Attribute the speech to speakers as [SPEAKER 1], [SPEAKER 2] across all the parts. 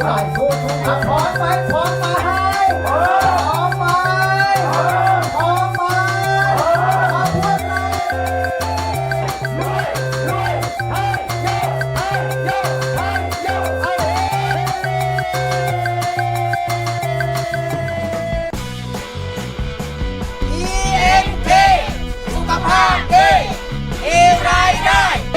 [SPEAKER 1] หน่อยสู้ครับพร้อมไหมพร้อมไหมพร้อมไหมพร้อมไหมมาพูดเลยสุขภาพดีมีรายได้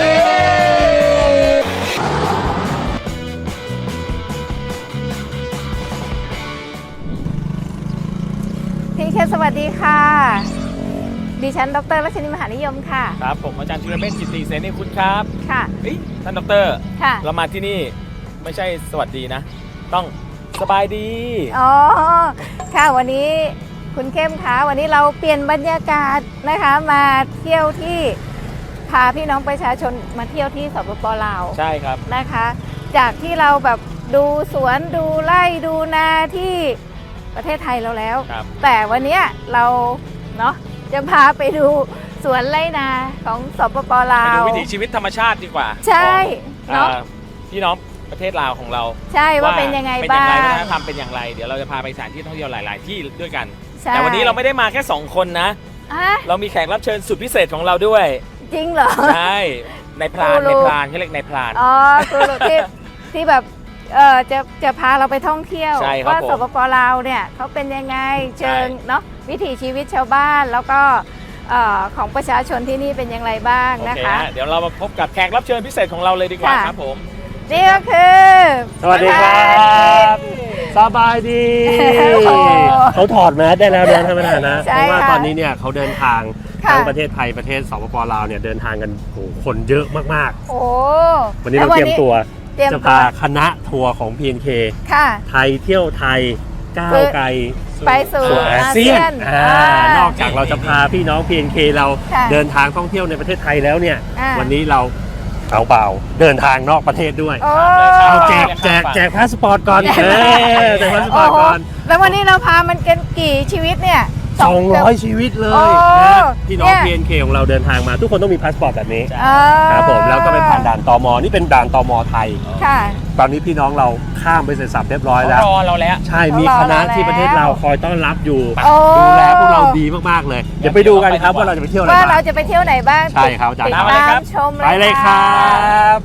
[SPEAKER 2] พี่เคสวัสดีค่ะดิฉันดร.รัชนีมหานิยมค่ะ
[SPEAKER 3] ครับผมอาจารย์ธีรเมธจิตติเสนีคุณครับ
[SPEAKER 2] ค่ะ
[SPEAKER 3] ท่านดร.
[SPEAKER 2] ค่ะ
[SPEAKER 3] เรามาที่นี่ไม่ใช่สวัสดีนะต้องสบายดี
[SPEAKER 2] อ๋อค่ะวันนี้คุณเข้มคะวันนี้เราเปลี่ยนบรรยากาศนะคะมาเที่ยวที่พาพี่น้องประชาชนมาเที่ยวที่สปป.ลาว
[SPEAKER 3] ใช่ครับ
[SPEAKER 2] นะคะจากที่เราแบบดูสวนดูไร่ดูนาที่ประเทศไทยเราแล้วแต่วันนี้เราเนาะจะพาไปดูสวนไร่นาของสปป.ลาว
[SPEAKER 3] ไปดูวิถีชีวิตธรรมชาติดีกว่า
[SPEAKER 2] ใช่เนาะ
[SPEAKER 3] พี่น้องประเทศลาวของเรา
[SPEAKER 2] ใช่ว่าเป็นยังไงบ้าง
[SPEAKER 3] วัฒนธรรมเป็นอย่างไรเดี๋ยวเราจะพาไปสถานที่ท่องเที่ยวหลายๆที่ด้วยกันแต่วันนี้เราไม่ได้มาแค่2คนนะเรามีแขกรับเชิญสุดพิเศษของเราด้วย
[SPEAKER 2] จริงเหรอ
[SPEAKER 3] ใช่ในพรานเขาเรียกในพราน
[SPEAKER 2] อ๋อที่แบบจะพาเราไปท่องเที่ยวว่าสปป.ลาวเนี่ยเขาเป็นยังไงเชิงเนาะวิถีชีวิตชาวบ้านแล้วก็ของประชาชนที่นี่เป็นอย่างไรบ้างนะคะ
[SPEAKER 3] เดี๋ยวเรามาพบกับแขกรับเชิญพิเศษของเราเลยดีกว่าครับผม
[SPEAKER 2] นี่ก็คือ
[SPEAKER 4] สวัสดีครับสบายดีเขาถอดแมสได้แล้วนะท่านประธานนะเพราะว่าตอนนี้เนี่ยเขาเดินทางทั้งประเทศไทยประเทศสปป.ลาวเนี่ยเดินทางกันคนเยอะมาก
[SPEAKER 2] ๆโอ้
[SPEAKER 4] วันนี้เราเตรียมตัวจะพาคณะทัวร์ของ PNK ไทยเที่ยวไทยก้าวไกล
[SPEAKER 2] ไปสู่อาเซียน
[SPEAKER 4] นอกจากเราจะพาพี่น้อง PNK เราเดินทางท่องเที่ยวในประเทศไทยแล้วเนี่ยวันนี้เราเอาเปล่าเดินทางนอกประเทศด้วยเอาแจกพาสปอร์ตก่อนแจกพาสปอร์ตก่อน
[SPEAKER 2] แล้ววันนี้เราพามันกันกี่ชีวิตเนี่ย
[SPEAKER 4] 200 ชีวิตเลยนะพี่น้อง PNK ของเราเดินทางมาทุกคนต้องมีพาสปอร์ตแบบนี้ครับผมแล้วก็เป็นผ่านด่านตม.นี่เป็นด่านตม.ไทยตอนนี้พี่น้องเราข้ามไปเสร็จสับเรียบร้อยแล้ว
[SPEAKER 3] รอเราแล้ว
[SPEAKER 4] ใช่มีคณะที่ประเทศเราคอยต้อนรับอยู่ดูแลพวกเราดีมากๆเลยเดี๋ยวไปดูกันครับว่าเราจะไปเที่ยวไหนบ้าง
[SPEAKER 2] ว่าเราจะไปเที่ยวไหนบ้าง
[SPEAKER 4] ใช่ครับ
[SPEAKER 2] ติดตามชม
[SPEAKER 4] ไปเลยครับ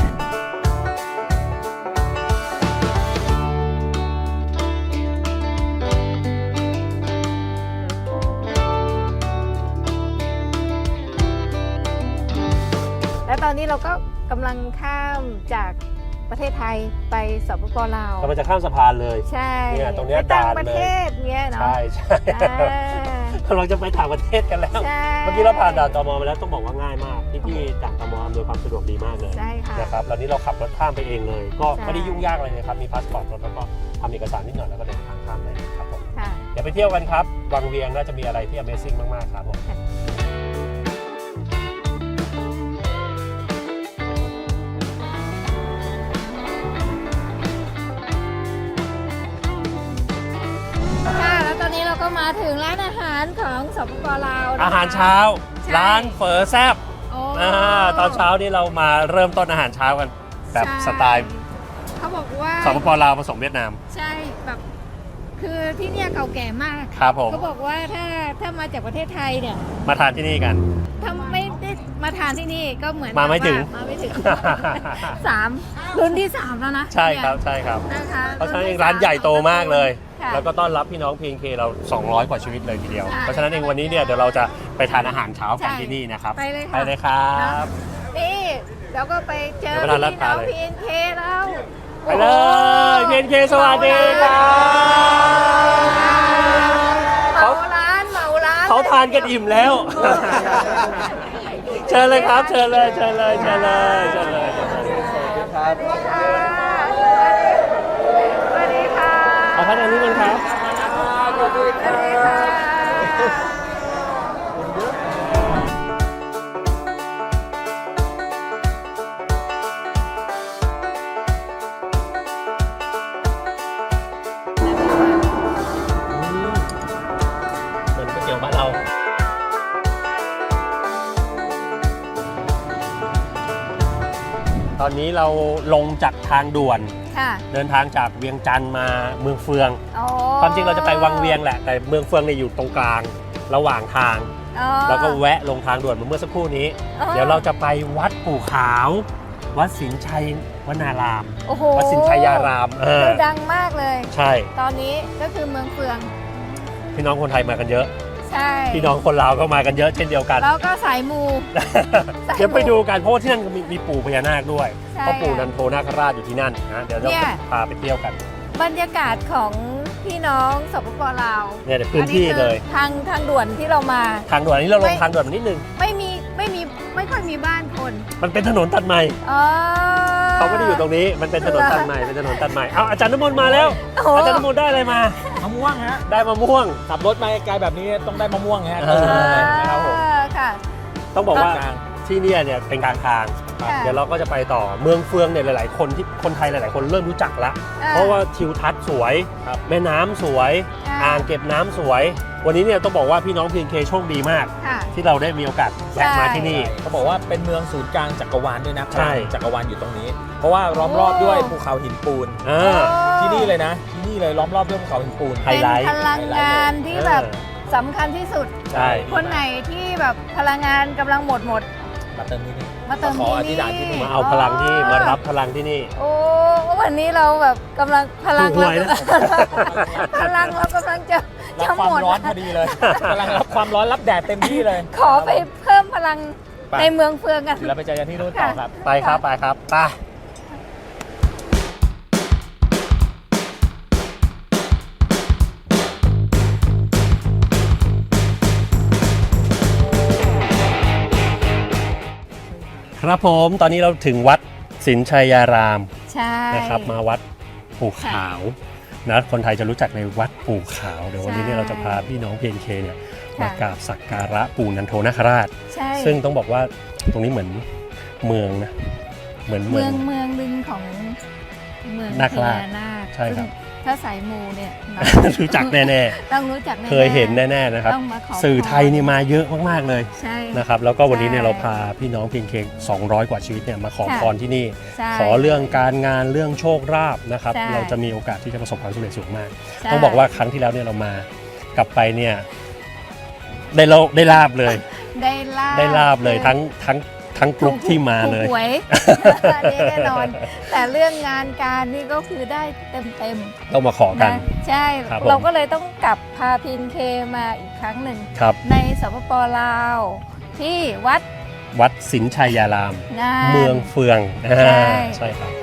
[SPEAKER 2] และตอนนี้เราก็กำลังข้ามจากประเทศไทยไปสปป.ลาว
[SPEAKER 4] เราจะข้ามสะพานเลย
[SPEAKER 2] ใช่
[SPEAKER 4] เนี่ยตรงนี้ด่านเลย
[SPEAKER 2] ประเทศเงี้ยเนาะ
[SPEAKER 4] ใช่เราจะไปต่างประเทศกันแล้วเมื่อกี้เราผ่านด่านตม.มาแล้วต้องบอกว่าง่ายมากพี่ด่านตม.อำนวยความสะดวกดีมากเลยนะครับแล้วนี้เราขับรถข้ามไปเองเลยก็ไม่ได้ยุ่งยากอะไรเลยครับมีพาสปอร์ตรถแล้วก็ทำเอกสารนิดหน่อยแล้วก็เดินทางข้ามเลยครับผมเดี๋ยวไปเที่ยวกันครับวังเวียงน่าจะมีอะไรที่ Amazing มากๆครับผม
[SPEAKER 2] ตอนนี้เราก็มาถึงร้านอาหารของสปป.ลาว
[SPEAKER 4] อาหารเช้าร้านเฝอแซ่บตอนเช้านี่เรามาเริ่มต้นอาหารเช้ากันแบบสไตล์
[SPEAKER 2] เขาบอกว่า
[SPEAKER 4] สปป.ลาวผสมเวียดนาม
[SPEAKER 2] ใช่แบบคือที่เนี่ยเก่าแก่มาก
[SPEAKER 4] ครับผม
[SPEAKER 2] เขาบอกว่าถ้ามาจากประเทศไทยเนี่ย
[SPEAKER 4] มาทานที่นี่กัน
[SPEAKER 2] ถ้าไม่ได้มาทานที่นี่ก็เหมือน
[SPEAKER 4] มาไม่ถึง
[SPEAKER 2] 3รุ่นที่3แล้วนะ
[SPEAKER 4] ใช่ครับนะคะเพราะฉะนั้นเองร้านใหญ่โตมากเลยแล้วก็ต้อนรับพี่น้อง PNK เรา200กว่าชีวิตเลยทีเดียวเพราะฉะนั้นเองวันนี้เนี่ยเดี๋ยวเราจะไปทานอาหารเช้ากันที่นี่นะครับ
[SPEAKER 2] ไปเลย
[SPEAKER 4] ครับ
[SPEAKER 2] นี่เราก็ไปเจอพี่น้อง PNK เรา
[SPEAKER 4] ไปเลย PNK สวัสดีครับ
[SPEAKER 2] เหมาร้าน
[SPEAKER 4] เขาทานกันอิ่มแล้วเชิญเลยครับเชิญเลยครับ
[SPEAKER 2] สวัสดีค่ะ
[SPEAKER 4] เอาท่านอันนี้มันครับตอนนี้เราลงจากทางด่วน
[SPEAKER 2] ค่ะ
[SPEAKER 4] เดินทางจากเวียงจันทร์มาเมืองเฟือง
[SPEAKER 2] อ๋อ
[SPEAKER 4] ความจริงเราจะไปวังเวียงแหละแต่เมืองเฟืองเนี่ยอยู่ตรงกลางระหว่างทาง
[SPEAKER 2] อ๋อ
[SPEAKER 4] แล้วก็แวะลงทางด่วนเมื่อสักครู่นี้
[SPEAKER 2] อ๋อ
[SPEAKER 4] เดี๋ยวเราจะไปวัดปู่ขาว วัดสินชัยวนาราม
[SPEAKER 2] โอ้โห
[SPEAKER 4] วัดสินชัยยาราม
[SPEAKER 2] คือดังมากเลย
[SPEAKER 4] ใช่
[SPEAKER 2] ตอนนี้ก็คือเมืองเฟือง
[SPEAKER 4] พี่น้องคนไทยมากันเยอะ
[SPEAKER 2] ใช่
[SPEAKER 4] พี่น้องคนลาวก็มากันเยอะเช่นเดียวกัน
[SPEAKER 2] แล้วก็สายมู
[SPEAKER 4] เดี๋ยวไปดูกันเพราะว่าที่นั่นมีปู่พญานาคด้วย
[SPEAKER 2] ใช่
[SPEAKER 4] เพราะปู่นันโทนาคราชอยู่ที่นั่นนะเดี๋ยวเรา
[SPEAKER 2] เนี่ย
[SPEAKER 4] พาไปเที่ยวกัน
[SPEAKER 2] บรรยากาศของพี่น้องสปปลาว
[SPEAKER 4] เนี่ยเดี๋ยวพื้นที่เลย
[SPEAKER 2] ทางด่วนที่เรามา
[SPEAKER 4] ทางด่วนอันนี้เราลงทางด่วนมานิดนึง
[SPEAKER 2] ไม่ค่อยมีบ้านคน
[SPEAKER 4] มันเป็นถนนตัดใหม่
[SPEAKER 2] อ๋อ
[SPEAKER 4] เขาไม่ได้อยู่ตรงนี้มันเป็นถนนตัดใหม่เป็นถนนตัดใหม่เอาอาจารย์น้ำมนต์มาแล้ว
[SPEAKER 2] โอ้โห
[SPEAKER 4] อาจารย์น้ำมนต์ได้อะไรมา
[SPEAKER 3] มะม่วงฮะ
[SPEAKER 4] ได้มะม่วง
[SPEAKER 3] ขับรถมาไกลแบบนี้ต้องได้มะม่วงฮะ
[SPEAKER 4] เออ
[SPEAKER 3] ครับผม
[SPEAKER 2] ค่ะ
[SPEAKER 4] ต้องบอกว่า
[SPEAKER 3] กลาง
[SPEAKER 4] ที่เนี่ยเป็นกลางทาง
[SPEAKER 2] ค่ะ
[SPEAKER 4] เดี๋ยวเราก็จะไปต่อเมืองเฟืองเนี่ยหลายๆคนที่คนไทยหลายๆคนเริ่มรู้จักแล้วเพราะว่าทิวทัศน์สวยแม่น้ำสวยอ่างเก็บน้ำสวย วันนี้เนี่ยต้องบอกว่าพี่น้อง PNK โชคดีมาก
[SPEAKER 2] ค่ะ
[SPEAKER 4] ที่เราได้มีโอกาสแวะมาที่นี่
[SPEAKER 3] เขาบอกว่าเป็นเมืองศูนย์กลางจักรวาลด้วยนะ
[SPEAKER 4] ใช่
[SPEAKER 3] จักรวาลอยู่ตรงนี้ เพราะว่าล้อมรอบด้วยภูเขาหินปูน
[SPEAKER 4] อ่า
[SPEAKER 3] ที่นี่เลยนะ ที่นี่เลยล้อมรอบด้วยภูเขาหินปูน
[SPEAKER 4] ไฮไลท์
[SPEAKER 2] เป็นพลังงานที่แบบสำคัญที่สุด
[SPEAKER 4] ใช่
[SPEAKER 2] คนไหนที่แบบพลังงานกำลังหมด
[SPEAKER 3] มาเติมที่นี่
[SPEAKER 2] มาเติม
[SPEAKER 3] ขอ
[SPEAKER 2] ที่
[SPEAKER 3] อธิษฐานที่นี่
[SPEAKER 2] นี่
[SPEAKER 4] มาเอาพลังที่มารับพลังที่นี่
[SPEAKER 2] โอ้วันนี้เราแบบกำลังพลัง
[SPEAKER 4] ถูกหวยนะ
[SPEAKER 2] พลังเรากำลังจะ
[SPEAKER 3] รับความ
[SPEAKER 2] หมด
[SPEAKER 3] ร้อนพอดีเลยกำลังรับความร้อนรับแดดเต็มที่เลย
[SPEAKER 2] ขอไปเพิ่มพลัง
[SPEAKER 3] ไป
[SPEAKER 2] ในเมืองเฟืองกัน
[SPEAKER 3] เดี๋ยวเราไปเจอกันที่นู่นต่อครับ
[SPEAKER 4] ไปครับไปครับไปครับผมตอนนี้เราถึงวัดสินชัยยาราม
[SPEAKER 2] ใช่
[SPEAKER 4] นะครับมาวัดปู่ขาวนะคนไทยจะรู้จักในวัดปู่ขาวเดี๋ยววันนี้เนี่ยเราจะพาพี่น้อง PNK เนี่ยมากราบสักการะปู่นันโทนาคราช
[SPEAKER 2] ใช่
[SPEAKER 4] ซึ่งต้องบอกว่าตรงนี้เหมือนเมืองนะเหมือน
[SPEAKER 2] เมืองหนึ่งของเมือง
[SPEAKER 4] นาคราช
[SPEAKER 2] พญนาค
[SPEAKER 4] ใช่ครับ
[SPEAKER 2] ซึ่งถ้าสายมูเนี่ยเนาะ
[SPEAKER 4] รู้จักแน่
[SPEAKER 2] ต้องรู้จักแน่
[SPEAKER 4] ๆ
[SPEAKER 2] ๆ
[SPEAKER 4] เคยเห็นแน่ๆนะครับ
[SPEAKER 2] ต้องมาขอ
[SPEAKER 4] สื่อไทยนี่มาเยอะมากๆเลย
[SPEAKER 2] ใช่
[SPEAKER 4] นะครับแล้วก็วันนี้เนี่ย
[SPEAKER 2] ใช่
[SPEAKER 4] เราพาพี่น้อง PNK 200 กว่าชีวิตเนี่ยมาขอ
[SPEAKER 2] ค่ะ
[SPEAKER 4] พรที่นี่
[SPEAKER 2] ใช่
[SPEAKER 4] ขอเรื่องการงานเรื่องโชคลาภนะครับ
[SPEAKER 2] ใช่
[SPEAKER 4] เราจะมีโอกาสที่จะประสบความสำเร็จสูงมาก
[SPEAKER 2] ใช่
[SPEAKER 4] ต้องบอกว่าครั้งที่แล้วเนี่ยเรามากลับไปเนี่ยได้ลาบเลย
[SPEAKER 2] ได้ลาบ
[SPEAKER 4] เลยทั้งกลุ่มที่มาเลย
[SPEAKER 2] ถูกหวย อันนี้แน่นอน แต่เรื่องงานการนี่ก็คือได้เต็ม
[SPEAKER 4] ต้องมาขอ
[SPEAKER 2] ๆ
[SPEAKER 4] กัน
[SPEAKER 2] นะใช่
[SPEAKER 4] ครับผม
[SPEAKER 2] เราก็เลยต้องกลับพาพินเคมาอีกครั้งหนึ่ง
[SPEAKER 4] ครับ
[SPEAKER 2] ในสปปลาว ที่วัด
[SPEAKER 4] วัดสินชัยยาราม
[SPEAKER 2] งาน
[SPEAKER 4] เมืองเฟือง
[SPEAKER 2] ใช่
[SPEAKER 4] ใช่ครับ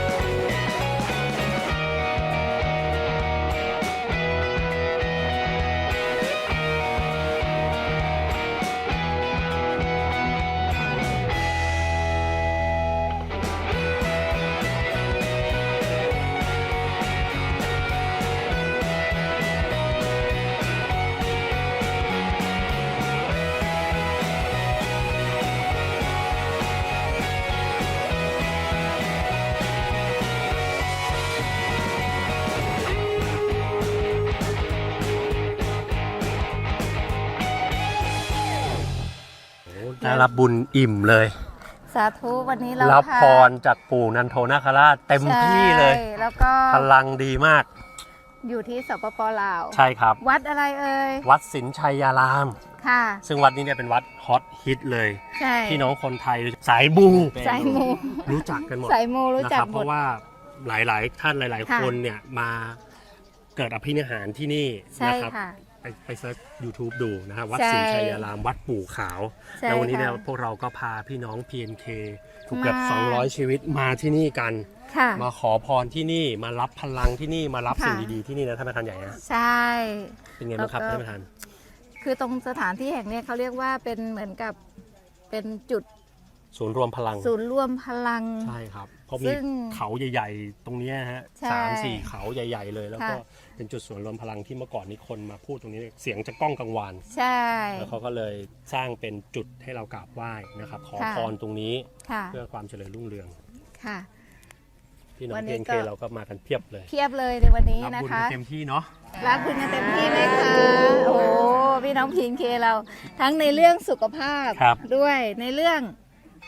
[SPEAKER 4] ได้รับบุญอิ่มเลย
[SPEAKER 2] สาธุวันนี้เรา
[SPEAKER 4] รับ
[SPEAKER 2] พา
[SPEAKER 4] พรจากปู่นันโทนาคราชเต็มที่เลย
[SPEAKER 2] ใช่แล้วก็
[SPEAKER 4] พลังดีมาก
[SPEAKER 2] อยู่ที่สปปลาว
[SPEAKER 4] ใช่ครับ
[SPEAKER 2] วัดอะไรเอ่ย
[SPEAKER 4] วัดสินชัยยาราม
[SPEAKER 2] ค่ะ
[SPEAKER 4] ซึ่งวัดนี้เนี่ยเป็นวัดฮอตฮิตเลย
[SPEAKER 2] ใช่
[SPEAKER 4] พี่น้องคนไทยสายบู
[SPEAKER 2] สายมู
[SPEAKER 4] รู้จักกันหมด
[SPEAKER 2] สายมูรู้
[SPEAKER 4] นะ
[SPEAKER 2] จั
[SPEAKER 4] ค
[SPEAKER 2] ก
[SPEAKER 4] รับ
[SPEAKER 2] ห
[SPEAKER 4] เพ
[SPEAKER 2] มด
[SPEAKER 4] ราะว่าหลายๆท่านหลาย
[SPEAKER 2] ค่ะ
[SPEAKER 4] ๆ คนเนี่ยมาเกิดอภินิหารที่นี่
[SPEAKER 2] ใช่
[SPEAKER 4] นะครับ
[SPEAKER 2] ค่ะ
[SPEAKER 4] ไปเซิร์ช YouTube ดูนะครับวัด
[SPEAKER 2] ใช่
[SPEAKER 4] ศรีชัยยารามวัดปู่ขาว
[SPEAKER 2] ใช่
[SPEAKER 4] แล้ววันนี้เนี่ย
[SPEAKER 2] ค่ะ
[SPEAKER 4] พวกเราก็พาพี่น้อง PNK ถูกเกือบ
[SPEAKER 2] มา
[SPEAKER 4] 200 ชีวิตมาที่นี่กัน
[SPEAKER 2] ค่ะ
[SPEAKER 4] มาขอพรที่นี่มารับพลังที่นี่มารับ
[SPEAKER 2] ค่ะ
[SPEAKER 4] สิ่งดีๆที่นี่นะท่านประธานใหญ่นะ
[SPEAKER 2] ใช่
[SPEAKER 4] เป็นไงบ้างครับ
[SPEAKER 2] แล้วก็
[SPEAKER 4] ท่านประธาน
[SPEAKER 2] คือตรงสถานที่แห่งเนี้ยเขาเรียกว่าเป็นเหมือนกับเป็นจุด
[SPEAKER 4] ศูนย์รวมพลัง
[SPEAKER 2] ศูนย์รวมพลัง
[SPEAKER 4] ใช่ครับเพราะ
[SPEAKER 2] ซึ่
[SPEAKER 4] มี
[SPEAKER 2] ง
[SPEAKER 4] เขาใหญ่ๆ ตรงเนี้ยฮะ
[SPEAKER 2] ใช่
[SPEAKER 4] 3-4 เขาใหญ่ ๆ เลย แล้วก็
[SPEAKER 2] ค่ะ
[SPEAKER 4] เป็นจุดศูนย์รวมพลังที่เมื่อก่อนนี้คนมาพูดตรงนี้เสียงจะก้องกังวาน
[SPEAKER 2] ใช่
[SPEAKER 4] แล้วเขาก็เลยสร้างเป็นจุดให้เรากราบไหว้นะครับขอ
[SPEAKER 2] ค่ะ
[SPEAKER 4] พรตรงนี้
[SPEAKER 2] ค่ะ
[SPEAKER 4] เพื่อความเจริญรุ่งเรือง
[SPEAKER 2] ค่ะ
[SPEAKER 4] พี่น้อ
[SPEAKER 2] วั
[SPEAKER 4] ง
[SPEAKER 2] น
[SPEAKER 4] เพ
[SPEAKER 2] นี้
[SPEAKER 4] น
[SPEAKER 2] ก็
[SPEAKER 4] เคเราก็มากันเพียบเลย
[SPEAKER 2] เพียบเลยในวันนี้
[SPEAKER 4] รับ
[SPEAKER 2] นะ
[SPEAKER 4] บุญ
[SPEAKER 2] คะ
[SPEAKER 4] กันเต็มที่เนาะ
[SPEAKER 2] รักคุณกันเต็มที่เลยค่ะ โอ้โหพี่น้องพีนเคเราทั้งในเรื่องสุขภาพ
[SPEAKER 4] ครับ
[SPEAKER 2] ด้วยในเรื่อง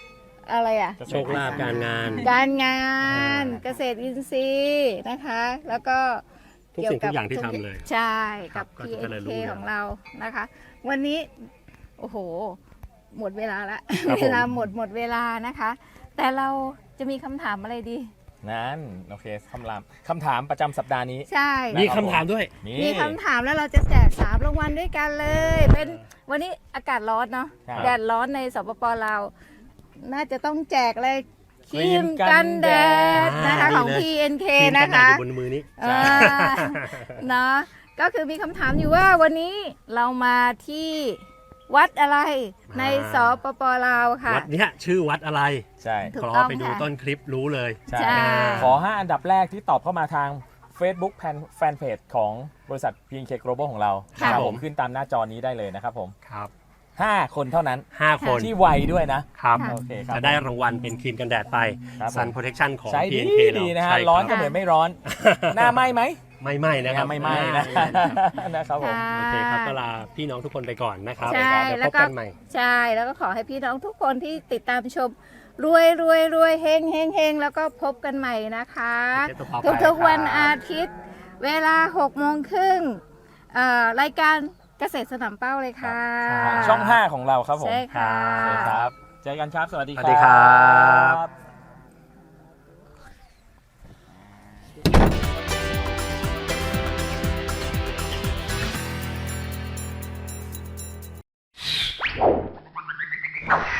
[SPEAKER 2] อะไรอ่ะ
[SPEAKER 4] โชคลาภการงาน
[SPEAKER 2] การงานเกษตรอินทรีย์นะคะ แล้วก็
[SPEAKER 4] ทุกสิ่งทุกอย่างที่ทำเลย
[SPEAKER 2] ใช่
[SPEAKER 4] ครั
[SPEAKER 2] กั
[SPEAKER 4] บบ ก็จะ
[SPEAKER 2] PNK
[SPEAKER 4] เจริญรุ่งเรือง
[SPEAKER 2] ของเรานะคะ วันนี้โอ้โหหมดเวลาละ
[SPEAKER 4] ครับผม
[SPEAKER 2] เวลาหมดเวลานะคะ แต่เราจะมีคำถามอะไรดี
[SPEAKER 3] นั้นโอเคคำถามประจำสัปดาห์นี้
[SPEAKER 2] ใช่
[SPEAKER 4] มีคำถามด้วย
[SPEAKER 3] นี่
[SPEAKER 2] มีคำถามแล้วเราจะแจก3รางวัลด้วยกันเลย เป็นวันนี้อากาศร้อนเนาะ
[SPEAKER 3] ครับ
[SPEAKER 2] แดดร้อนในสปปลาวน่าจะต้องแจกอะไรค
[SPEAKER 3] ครี
[SPEAKER 2] รีม
[SPEAKER 3] มกั
[SPEAKER 2] กัน
[SPEAKER 3] น
[SPEAKER 2] แด
[SPEAKER 3] แด
[SPEAKER 2] ดนะคะ
[SPEAKER 4] ดี
[SPEAKER 2] ของ
[SPEAKER 4] เลย
[SPEAKER 2] PNK
[SPEAKER 4] ทีมกั
[SPEAKER 2] นะ
[SPEAKER 4] นแดด
[SPEAKER 2] คะ
[SPEAKER 4] อยู่บนมือนี้
[SPEAKER 2] อ่าเนาะก็คือมีคำถามอยู่ว่าวันนี้เรามาที่วัดอะไรในสปปลาวค่ะ
[SPEAKER 4] วัดเนี้ยชื่อวัดอะไร
[SPEAKER 3] ใช่
[SPEAKER 2] ถูก
[SPEAKER 4] ขอ
[SPEAKER 2] ต้อง
[SPEAKER 4] ไปดู
[SPEAKER 2] ค่ะ
[SPEAKER 4] ต้นคลิปรู้เลย
[SPEAKER 3] ใช่
[SPEAKER 2] ใช่
[SPEAKER 3] ขอ 5 อันดับแรกที่ตอบเข้ามาทาง Facebook แฟนเพจของบริษัท PNK Global ของเรา
[SPEAKER 4] ครับ
[SPEAKER 3] นะ
[SPEAKER 4] ผม
[SPEAKER 3] ผมขึ้นตามหน้าจอนี้ได้เลยนะครับผม
[SPEAKER 4] ครับ
[SPEAKER 3] 5 คนเท่านั้น
[SPEAKER 4] 5 คน
[SPEAKER 3] ที่ไวด้วยนะ
[SPEAKER 4] ครับ
[SPEAKER 3] โอเคครับ
[SPEAKER 4] จะได้รางวัลเป็นครีมกันแดดไป
[SPEAKER 3] ครับผม
[SPEAKER 4] Sun Protection ของ
[SPEAKER 3] ใช้ดี
[SPEAKER 4] PNK
[SPEAKER 3] ดี
[SPEAKER 4] เรา
[SPEAKER 3] นะฮะ
[SPEAKER 4] ใช่คบ
[SPEAKER 3] ร้อนก็เหมือนไม่ร้อน หน้าไหมไหม
[SPEAKER 4] ไม่ไหม้นะครับ
[SPEAKER 3] ไม่ไหมนะนะครับผม
[SPEAKER 2] ค่ะ
[SPEAKER 4] โอเคครับก็ลาพี่น้องทุกคนไปก่อนนะครับ
[SPEAKER 2] ใช่
[SPEAKER 4] เดี๋ยว
[SPEAKER 2] แล้
[SPEAKER 4] พ
[SPEAKER 2] ว
[SPEAKER 4] บ
[SPEAKER 2] ก็
[SPEAKER 4] กันใหม่
[SPEAKER 2] ใช่แล้วก็ขอให้พี่น้องทุกคนที่ติดตามชมรวยเฮงแล้วก็พบกันใหม่นะคะ ทุกๆวันอาทิตย์ เวลา6 โมงครึ่งรายการเกษตรสนามเป้าเลยค่ะ
[SPEAKER 3] ช่อง 5 ของเราครับผม
[SPEAKER 2] ใช่ค่ะ
[SPEAKER 3] โอเคครับ เจอกันครับ สวัสดี
[SPEAKER 4] สวัสดีครับ
[SPEAKER 3] ครับ